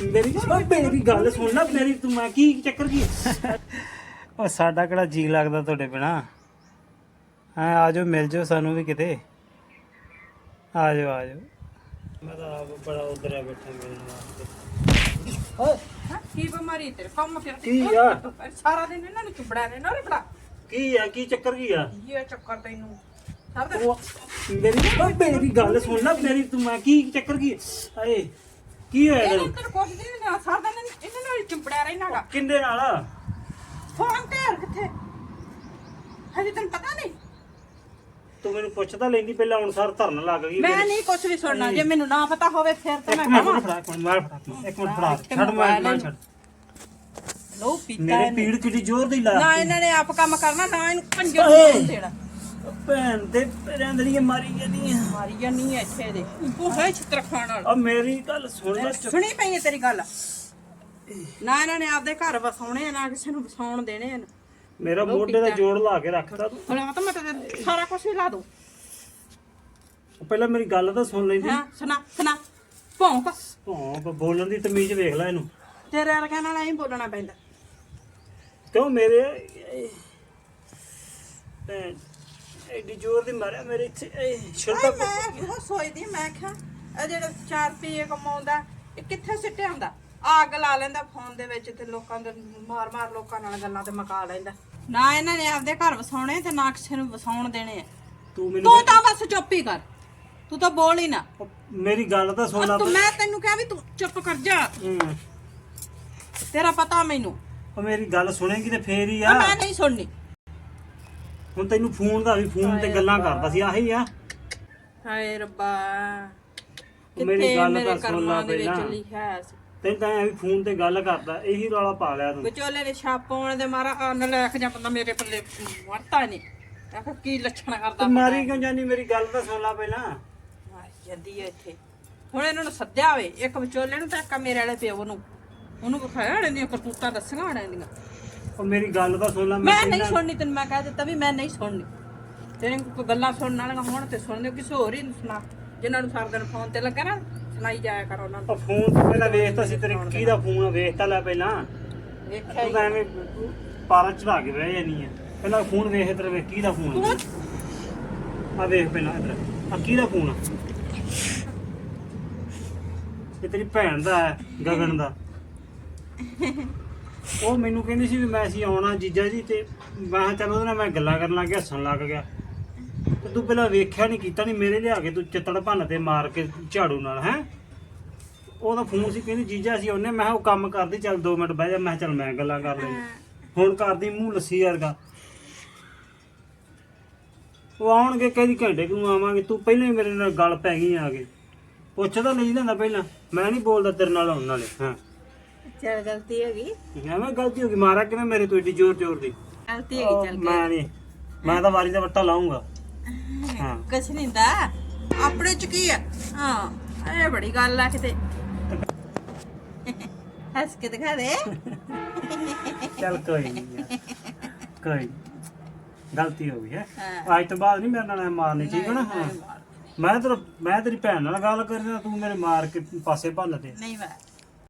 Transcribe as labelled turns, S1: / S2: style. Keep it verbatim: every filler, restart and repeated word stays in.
S1: ਮੇਰੀ ਮੇਰੀ ਗੱਲ ਸੁਣ ਲੈ ਮੇਰੀ ਤੂੰ ਮੈਂ ਕੀ ਚੱਕਰ ਕੀ ਉਹ ਸਾਡਾ ਕਿਹੜਾ ਜੀ ਲੱਗਦਾ ਤੁਹਾਡੇ ਬਿਨਾ ਹਾਂ ਆ ਜਾਓ ਮਿਲ ਜਾਓ ਸਾਨੂੰ ਵੀ ਕਿਤੇ ਆ ਜਾਓ ਆ ਜਾਓ ਮੈਂ ਤਾਂ ਆਪ ਬੜਾ ਉਧਰ ਆ ਬੈਠਾ ਮੇਰੇ ਨਾਲ ਓਏ
S2: ਹਾਂ ਕੀ ਬਿਮਾਰੀ ਤੇਰੇ ਕੰਮ ਫਿਰ
S1: ਕੀ ਆ
S2: ਸਾਰਾ ਦਿਨ ਇਹਨਾਂ ਨੂੰ ਚੁੰਬੜਿਆ ਨੇ ਨਾ ਰੇ ਬੜਾ
S1: ਕੀ ਆ ਕੀ ਚੱਕਰ ਕੀ ਆ
S2: ਇਹ ਚੱਕਰ ਤੈਨੂੰ ਸਭ ਦਾ
S1: ਉਹ ਮੇਰੀ ਮੇਰੀ ਗੱਲ ਸੁਣ ਲੈ ਮੇਰੀ ਤੂੰ ਮੈਂ ਕੀ ਚੱਕਰ ਕੀ ਹਾਏ ਕੀ ਹੋਇਆ
S2: ਇਹਨਾਂ
S1: ਤੈਨੂੰ
S2: ਤੈਨੂੰ ਕੁਛ ਨਹੀਂ ਨਾ ਸਾਰਾ ਦਿਨ ਇਹਨਾਂ ਨਾਲ ਹੀ ਚੁੰਬੜਿਆ ਰਹਿਣਾਗਾ
S1: ਕਿੰਦੇ ਨਾਲ
S2: ਫੋਨ ਤੇ ਯਾਰ ਕਿੱਥੇ ਹਜੇ ਤੈਨੂੰ ਪਤਾ ਨਹੀਂ
S1: ਤੂੰ ਮੈਨੂੰ ਪੁੱਛਦਾ ਲੈਂਦੀ ਪਹਿਲਾਂ ਹੁਣ ਸਰ ਧਰਨ ਲੱਗ ਗਈ
S2: ਮੈਂ ਨਹੀਂ ਕੁਛ ਵੀ ਸੁਣਨਾ ਜੇ ਮੈਨੂੰ ਨਾ ਪਤਾ ਹੋਵੇ ਫਿਰ ਤਾਂ ਮੈਂ
S1: ਇੱਕ ਮਿੰਟ
S2: ਕਹਾਂ
S1: ਫੜਾ ਇੱਕ ਮਿੰਟ ਮਾਰ ਫੜਾ ਇੱਕ ਮਿੰਟ ਫੜਾ ਛੱਡ ਮੈਂ ਮੈਂ ਛੱਡ
S2: ਲੋ ਪੀਤਾ
S1: ਮੇਰੇ
S2: ਇਹਨੇ।
S1: ਪੀੜ ਕਿੱਡੀ ਜ਼ੋਰ ਦੀ ਲਾ
S2: ਨਾ ਇਹਨਾਂ ਨੇ ਆਪ ਕੰਮ ਕਰਨਾ ਨਾ ਇਹਨੂੰ ਪੰਜੋ ਨੂੰ ਦੇਣਾ
S1: ਭੈਣ ਤੇ ਰਹਿੰਦੜੀਆਂ ਮਾਰੀ ਜਾਂਦੀਆਂ
S2: ਮਾਰੀ ਜਾਨੀ ਐ ਇੱਥੇ ਦੇ ਤੂੰ ਹੈ ਛਿੱਤਰ ਖਾਣ ਵਾਲਾ
S1: ਆ ਮੇਰੀ ਗੱਲ ਸੁਣ ਲੈ ਚੁੱਪ-
S2: ਸੁਣੀ ਪਈ ਹੈ ਤੇਰੀ ਗੱਲ ਨਾ ਇਹਨਾਂ ਨੇ ਆਪਦੇ ਘਰ ਵਸਾਉਣੇ ਆ ਨਾ ਕਿਸੇ ਨੂੰ ਵਸਾਉਣ ਦੇਣੇ ਆ
S1: ਮੇਰਾ ਮੋਢੇ ਦਾ ਜੋੜ ਲਾ ਕੇ ਰੱਖਦਾ ਤੂੰ
S2: ਹੁਣ ਆ ਤਾਂ ਮੈਂ ਤੇ ਸਾਰਾ ਕੁਝ ਹੀ ਲਾ ਦੂੰ
S1: ਪਹਿਲਾਂ ਮੇਰੀ ਗੱਲ ਤਾਂ ਸੁਣ ਲੈਂਦੀ
S2: ਹਾਂ ਸੁਣਾ ਸੁਣਾ ਭੌਂਕ
S1: ਹਾਂ ਬੋਲਣ ਦੀ ਤਮੀਜ਼ ਵੇਖ ਲੈ ਇਹਨੂੰ
S2: ਤੇਰੇ ਵਰਗਿਆਂ ਨਾਲ ਐਂ ਬੋਲਣਾ ਪੈਂਦਾ
S1: ਕਿਉਂ ਮੇਰੇ ਭੈਣ ਐਡੀ ਜ਼ੋਰ ਦੀ ਮਾਰਿਆ ਮੇਰੇ ਇੱਥੇ ਛਿਲਦਾ
S2: ਮੈਂ ਉਹ ਸੋਚਦੀ ਮੈਂ ਕਿਹਾ ਇਹ ਜਿਹੜਾ ਚਾਰ ਰੁਪਏ ਕਮਾਉਂਦਾ ਇਹ ਕਿੱਥੇ ਸਿੱਟਿਆ ਹੁੰਦਾ ਅੱਗ ਲਾ ਲੈਂਦਾ ਫੋਨ ਦੇ ਵਿੱਚ ਤੇ ਲੋਕਾਂ ਦੇ ਮਾਰ ਮਾਰ ਲੋਕਾਂ ਨਾਲ ਗੱਲਾਂ ਤੇ ਮਕਾ ਲੈਂਦਾ ਨਾ ਇਹਨਾਂ ਨੇ ਆਪਦੇ ਘਰ ਵਸਾਉਣੇ ਤੇ ਨਾ ਕਿਸੇ ਨੂੰ ਵਸਾਉਣ ਦੇਣੇ ਆ
S1: ਤੂੰ ਮੈਨੂੰ
S2: ਤੂੰ ਤਾਂ ਬਸ ਚੁੱਪ ਹੀ ਕਰ ਤੂੰ ਤਾਂ ਬੋਲ ਹੀ ਨਾ
S1: ਮੇਰੀ ਗੱਲ ਤਾਂ ਸੁਣ ਲੈ
S2: ਤੂੰ ਮੈਂ ਤੈਨੂੰ ਕਿਹਾ ਵੀ ਤੂੰ ਚੁੱਪ ਕਰ ਜਾ
S1: ਹੂੰ
S2: ਤੇਰਾ ਪਤਾ ਮੈਨੂੰ
S1: ਉਹ ਮੇਰੀ ਗੱਲ ਸੁਣੇਗੀ ਤੇ ਫੇਰ ਹੀ
S2: ਆ
S1: ਆ
S2: ਮੈਂ ਨਹੀਂ ਸੁਣਨੀ
S1: ਹੁਣ ਤੈਨੂੰ ਫੋਨ ਦਾ ਵੀ ਫੋਨ ਤੇ ਗੱਲਾਂ ਕਰਦਾ ਸੀ ਆਹੀ ਆ
S2: ਹਾਏ ਰੱਬਾ
S1: ਮੇਰੀ
S2: ਕਿੱਥੇ
S1: ਗੱਲ
S2: ਮੇਰੇ
S1: ਤਾਂ ਸੁਣ
S2: ਕਰਮਾਂ
S1: ਲਾ
S2: ਦੇ ਵਿੱਚ
S1: ਪਹਿਲਾਂ।
S2: ਲਿਖਿਆ ਸੀ
S1: ਤੈਨੂੰ ਤਾਂ ਐ ਵੀ ਫੋਨ ਤੇ ਗੱਲ ਕਰਦਾ ਇਹੀ ਰੌਲਾ ਪਾ ਲਿਆ ਤੂੰ
S2: ਵਿਚੋਲੇ ਨੇ ਛਾਪ ਪਾਉਣ ਦੇ ਮਾਰਾ ਅੰਨ ਲੈ ਕੇ ਜਾਂ ਬੰਦਾ ਮੇਰੇ ਪੱਲੇ ਵਰਤਾ ਨਹੀਂ ਆਖਰ ਕੀ ਲੱਛਣ ਕਰਦਾ
S1: ਤੂੰ ਮਾਰੀ ਕਿਉਂ ਜਾਨੀ ਮੇਰੀ ਗੱਲ ਤਾਂ ਸੁਣ ਲਾ ਪਹਿਲਾਂ
S2: ਮਾਰੀ ਜਾਂਦੀ ਹੈ ਇੱਥੇ ਹੁਣ ਇਹਨਾਂ ਨੂੰ ਸੱਦਿਆ ਹੋਵੇ ਇੱਕ ਵਿਚੋਲੇ ਨੂੰ ਤੇ ਇੱਕ ਮੇਰੇ ਵਾਲੇ ਪਿਓ ਨੂੰ ਉਹਨੂੰ ਵਿਖਾਇਆ ਹੜੇ ਦੀਆਂ ਕਰਤੂਤਾਂ ਦੱਸੀਆਂ ਹੜੇ ਦੀਆਂ
S1: ਉਹ ਮੇਰੀ ਗੱਲ ਤਾਂ ਸੁਣ ਲੈ
S2: ਮੈਂ ਨਹੀਂ
S1: ਪਹਿਲਾਂ-
S2: ਸੁਣਨੀ ਤੈਨੂੰ ਮੈਂ ਕਹਿ ਦਿੱਤਾ ਵੀ ਮੈਂ ਨਹੀਂ ਸੁਣਨੀ ਤੇਰੇ ਕੋਈ ਗੱਲਾਂ ਸੁਣਨ ਵਾਲੀਆਂ ਹੋਣ ਤੇ ਸੁਣ ਲਿਓ ਕਿਸੇ ਹੋਰ ਹੀ ਨੂੰ ਸੁਣਾ ਜਿਨ੍ਹਾਂ ਨੂੰ ਸਾਰਾ ਦਿਨ ਫੋਨ ਤੇ ਲੱਗਾ ਨਾ ਸੁਣਾਈ ਜਾਇਆ ਕਰੋ ਉਹਨਾਂ ਨੂੰ
S1: ਉਹ ਫੋਨ ਤੇ ਪਹਿਲਾਂ ਵੇਖਤਾ ਸੀ ਤੇਰੇ ਕਿਹਦਾ ਫੋਨ ਆ ਵੇਖਤਾ ਲੈ ਪਹਿਲਾਂ
S2: ਵੇਖਿਆ
S1: ਤੂੰ
S2: ਹੀ
S1: ਤਾਂ ਐਵੇਂ ਪਾਰਾਂ ਚੜਾ ਕੇ ਬਹਿ ਜਾਨੀ ਆ ਪਹਿਲਾਂ ਫੋਨ ਵੇਖ ਤੇਰੇ ਵੇਖ ਕਿਹਦਾ ਫੋਨ
S2: ਤੂੰ
S1: ਆ ਵੇਖ ਪਹਿਲਾਂ ਇਧਰ ਆ ਕਿਹਦਾ ਫੋਨ ਆ ਇਹ ਤੇਰੀ ਭੈਣ ਦਾ ਹੈ ਗਗਨ ਦਾ ਉਹ ਮੈਨੂੰ ਕਹਿੰਦੀ ਸੀ ਵੀ ਮੈਂ ਸੀ ਆਉਣਾ ਜੀਜਾ ਜੀ ਤੇ ਮੈਂ ਕਿਹਾ ਚੱਲ ਉਹਦੇ ਨਾਲ ਮੈਂ ਗੱਲਾਂ ਕਰਨ ਲੱਗ ਗਿਆ ਹੱਸਣ ਲੱਗ ਗਿਆ ਤੇ ਤੂੰ ਪਹਿਲਾਂ ਵੇਖਿਆ ਨਹੀਂ ਕੀਤਾ ਨਹੀਂ ਮੇਰੇ ਲਿਆ ਕੇ ਤੂੰ ਚਿੱਤੜ ਭੰਨ ਤੇ ਮਾਰ ਕੇ ਝਾੜੂ ਨਾਲ ਹੈ ਉਹਦਾ ਫੋਨ ਸੀ ਕਹਿੰਦੀ ਜੀਜਾ ਸੀ ਉਹਨੇ ਮੈਂ ਕਿਹਾ ਉਹ ਕੰਮ ਕਰਦੀ ਚੱਲ ਦੋ ਮਿੰਟ ਬਹਿ ਜਾ ਮੈਂ ਕਿਹਾ ਚੱਲ ਮੈਂ ਗੱਲਾਂ ਕਰ ਲਈ ਹੁਣ ਕਰਦੀ ਮੂੰਹ ਲੱਸੀ ਵਰਗਾ ਉਹ ਆਉਣਗੇ ਕਹਿੰਦੀ ਘੰਟੇ ਕੁ ਨੂੰ ਆਵਾਂਗੇ ਤੂੰ ਪਹਿਲਾਂ ਹੀ ਮੇਰੇ ਨਾਲ ਗੱਲ ਪੈ ਗਈ ਆ ਕੇ ਪੁੱਛਦਾ ਨਹੀਂ ਜਾਂਦਾ ਪਹਿਲਾਂ ਮੈਂ ਨਹੀਂ ਬੋਲਦਾ ਤੇਰੇ ਨਾਲ ਆਉਣ ਨਾਲੇ ਹਾਂ
S2: ਚੱਲ ਗਲਤੀ ਹੋ ਗਈ
S1: ਐਵੇਂ ਗਲਤੀ ਹੋ ਗਈ ਮਾਰਾ ਕਿਵੇਂ ਮੇਰੇ ਤੋਂ ਏਡੀ ਜ਼ੋਰ ਜ਼ੋਰ ਦੀ
S2: ਗਲਤੀ ਹੋ ਗਈ ਚੱਲ
S1: ਮੈਂ ਨਹੀਂ ਮੈਂ ਤਾਂ ਵਾਰੀ ਦਾ ਵੱਟਾ ਲਾਉਂਗਾ ਹਾਂ
S2: ਕੁਛ ਨਹੀਂ ਹੁੰਦਾ ਆਪਣੇ ਚ ਕੀ ਆ ਹਾਂ ਇਹ ਬੜੀ ਗੱਲ ਆ ਕਿਤੇ ਹੱਸ ਕੇ ਦਿਖਾ ਦੇ
S1: ਚੱਲ ਕੋਈ ਨਹੀਂ ਯਾਰ, ਕੋਈ ਨੀ। ਗਲਤੀ ਹੋ ਗਈ ਹੈ
S2: ਹਾਂ।
S1: ਅੱਜ ਤੋਂ ਬਾਅਦ ਨਹੀਂ ਮੇਰੇ ਨਾਲ ਐਂ ਮਾਰਨੀ ਠੀਕ ਹੈ ਨਾ ਹਾਂ ਮੈਂ ਤੇਰਾ ਮੈਂ ਤੇਰੀ ਭੈਣ ਨਾਲ ਗੱਲ ਕਰਦਾ ਤੂੰ ਮੇਰੇ ਮਾਰ ਕੇ ਪਾਸੇ ਭੰਨ ਦੇ
S2: ਨਹੀਂ ਵਾ